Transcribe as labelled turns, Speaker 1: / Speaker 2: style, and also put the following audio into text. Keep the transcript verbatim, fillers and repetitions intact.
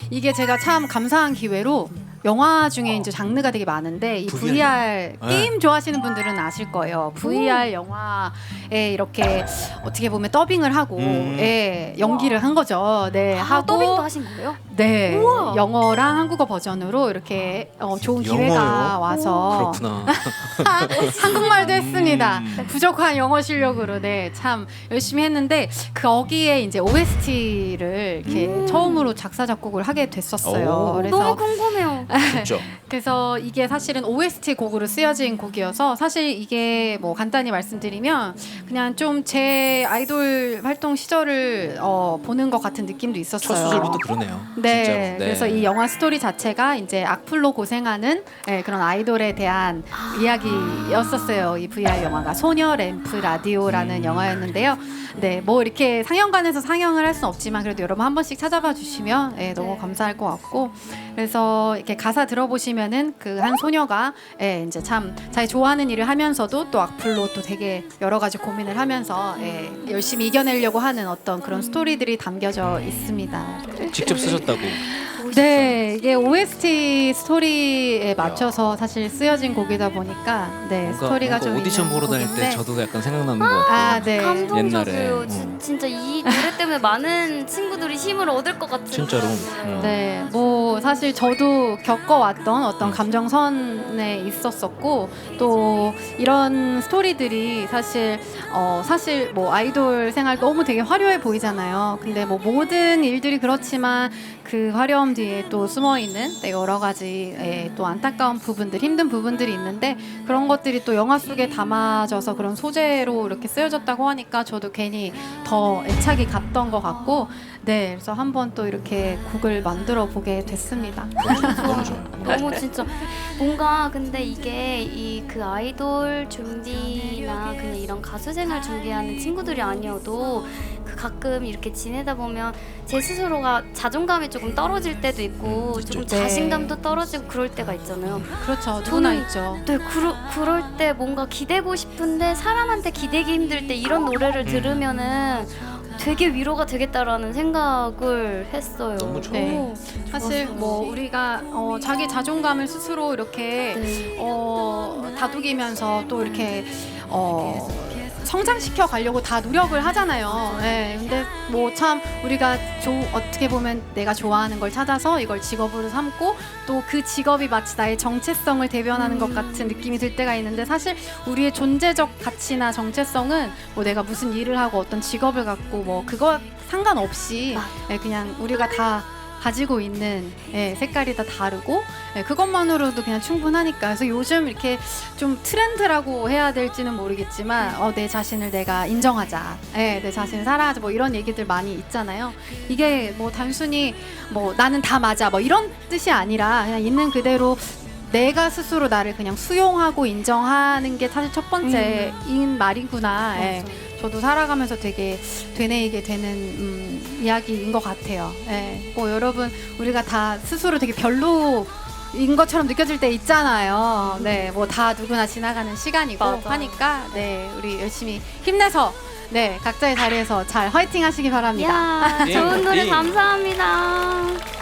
Speaker 1: 이게 제가 참 감사한 기회로 영화 중에 이제 장르가 되게 많은데 이 브이알 게임 좋아하시는 분들은 아실 거예요. 브이알 영화에 이렇게 어떻게 보면 더빙을 하고
Speaker 2: 음.
Speaker 1: 예, 연기를 한 거죠. 네,
Speaker 3: 아,
Speaker 1: 하고
Speaker 3: 더빙도 하신 거예요?
Speaker 1: 네,
Speaker 3: 우와.
Speaker 1: 영어랑 한국어 버전으로 이렇게 어, 좋은 기회가
Speaker 2: 영어요?
Speaker 1: 와서
Speaker 2: 그렇구나.
Speaker 1: 한국말도 했습니다.
Speaker 2: 음.
Speaker 1: 부족한 영어 실력으로 네, 참 열심히 했는데 거기에 이제 오에스티를 이렇게
Speaker 3: 음.
Speaker 1: 처음으로 작사 작곡을 하게 됐었어요.
Speaker 2: 오.
Speaker 1: 그래서
Speaker 3: 너무 궁금해요.
Speaker 2: 진짜.
Speaker 1: 그래서 이게 사실은 오에스티 곡으로 쓰여진 곡이어서 사실 이게 뭐 간단히 말씀드리면 그냥 좀 제 아이돌 활동 시절을 어, 보는 것 같은 느낌도 있었어요.
Speaker 2: 첫 수절부터 그러네요.
Speaker 1: 네,
Speaker 2: 진짜로. 네.
Speaker 1: 그래서 이 영화 스토리 자체가 이제 악플로 고생하는 네, 그런 아이돌에 대한 이야기였었어요. 이 브이알 영화가 소녀 램프 라디오라는
Speaker 2: 음.
Speaker 1: 영화였는데요. 네, 뭐 이렇게 상영관에서 상영을 할 수는 없지만 그래도 여러분 한 번씩 찾아봐 주시면 네, 너무
Speaker 3: 네.
Speaker 1: 감사할 것 같고 그래서 이렇게 가사 들어보시면은 그 한 소녀가 예, 이제 참 자기 좋아하는 일을 하면서도 또 악플로 또 되게 여러 가지 고민을 하면서 예, 열심히 이겨내려고 하는 어떤 그런 스토리들이 담겨져 있습니다.
Speaker 2: 직접 쓰셨다고.
Speaker 1: 네, 이게 오에스티 스토리에 맞춰서 사실 쓰여진 곡이다 보니까 네
Speaker 2: 뭔가,
Speaker 1: 스토리가
Speaker 2: 뭔가
Speaker 1: 좀
Speaker 2: 오디션
Speaker 1: 있는
Speaker 2: 보러 다닐 때
Speaker 1: 곡인데
Speaker 2: 저도 약간 생각나는 것 같아요.
Speaker 1: 아, 네.
Speaker 3: 감동적이에요.
Speaker 2: 옛날에.
Speaker 3: 지-
Speaker 2: 음.
Speaker 3: 진짜 이 노래 때문에 많은 친구들이 힘을 얻을 것 같은.
Speaker 2: 진짜로.
Speaker 3: 그런 노래예요.
Speaker 1: 네, 뭐 사실 저도 겪어왔던 어떤 감정선에 있었었고 또 이런 스토리들이 사실 어 사실 뭐 아이돌 생활 너무 되게 화려해 보이잖아요. 근데 뭐 모든 일들이 그렇지만 그 화려함 뒤에 또 숨어 있는 여러 가지 예, 또 안타까운 부분들, 힘든 부분들이 있는데 그런 것들이 또 영화 속에 담아져서 그런 소재로 이렇게 쓰여졌다고 하니까 저도 괜히 더 애착이 갔던 것 같고. 네, 그래서 한번 또 이렇게 곡을 만들어 보게 됐습니다.
Speaker 2: 너무 좋아요.
Speaker 3: 너무 진짜 뭔가 근데 이게 이 그 아이돌 준비나 그냥 이런 가수 생활 준비하는 친구들이 아니어도 그 가끔 이렇게 지내다 보면 제 스스로가 자존감이 조금 떨어질 때도 있고
Speaker 2: 음,
Speaker 3: 조금
Speaker 1: 있죠.
Speaker 3: 자신감도 떨어지고 그럴 때가 있잖아요.
Speaker 1: 그렇죠, 누구나
Speaker 3: 저는-
Speaker 1: 있죠.
Speaker 3: 네, 그러, 그럴 때 뭔가 기대고 싶은데 사람한테 기대기 힘들 때 이런 노래를 들으면은 되게 위로가 되겠다라는 생각을 했어요.
Speaker 2: 너무 좋아요.
Speaker 1: 네.
Speaker 3: 오,
Speaker 1: 사실
Speaker 3: 좋았어요.
Speaker 1: 뭐 우리가 어, 자기 자존감을 스스로 이렇게
Speaker 3: 네.
Speaker 1: 어, 다독이면서 또 이렇게 어, 성장시켜 가려고 다 노력을 하잖아요. 네, 근데 뭐 참 우리가 조, 어떻게 보면 내가 좋아하는 걸 찾아서 이걸 직업으로 삼고 또 그 직업이 마치 나의 정체성을 대변하는
Speaker 3: 음.
Speaker 1: 것 같은 느낌이 들 때가 있는데 사실 우리의 존재적 가치나 정체성은 뭐 내가 무슨 일을 하고 어떤 직업을 갖고 뭐 그거 상관없이
Speaker 3: 맞아.
Speaker 1: 예, 그냥 우리가 다 가지고 있는 예, 색깔이 다 다르고 예, 그것만으로도 그냥 충분하니까 그래서 요즘 이렇게 좀 트렌드라고 해야 될지는 모르겠지만 어, 내 자신을 내가 인정하자 예, 내 자신을 사랑하자 뭐 이런 얘기들 많이 있잖아요. 이게 뭐 단순히 뭐 나는 다 맞아 뭐 이런 뜻이 아니라 그냥 있는 그대로 내가 스스로 나를 그냥 수용하고 인정하는 게 사실 첫 번째인 말이구나. 예. 저도 살아가면서 되게 되뇌이게 되는 음, 이야기인 것 같아요. 예. 뭐 여러분 우리가 다 스스로 되게 별로인 것처럼 느껴질 때 있잖아요. 네, 뭐 다 누구나 지나가는 시간이고
Speaker 3: 맞아.
Speaker 1: 하니까 네, 우리 열심히 힘내서 네 각자의 자리에서 잘 화이팅 하시기 바랍니다.
Speaker 3: 야,
Speaker 2: 네,
Speaker 3: 좋은 노래
Speaker 2: 네.
Speaker 3: 감사합니다.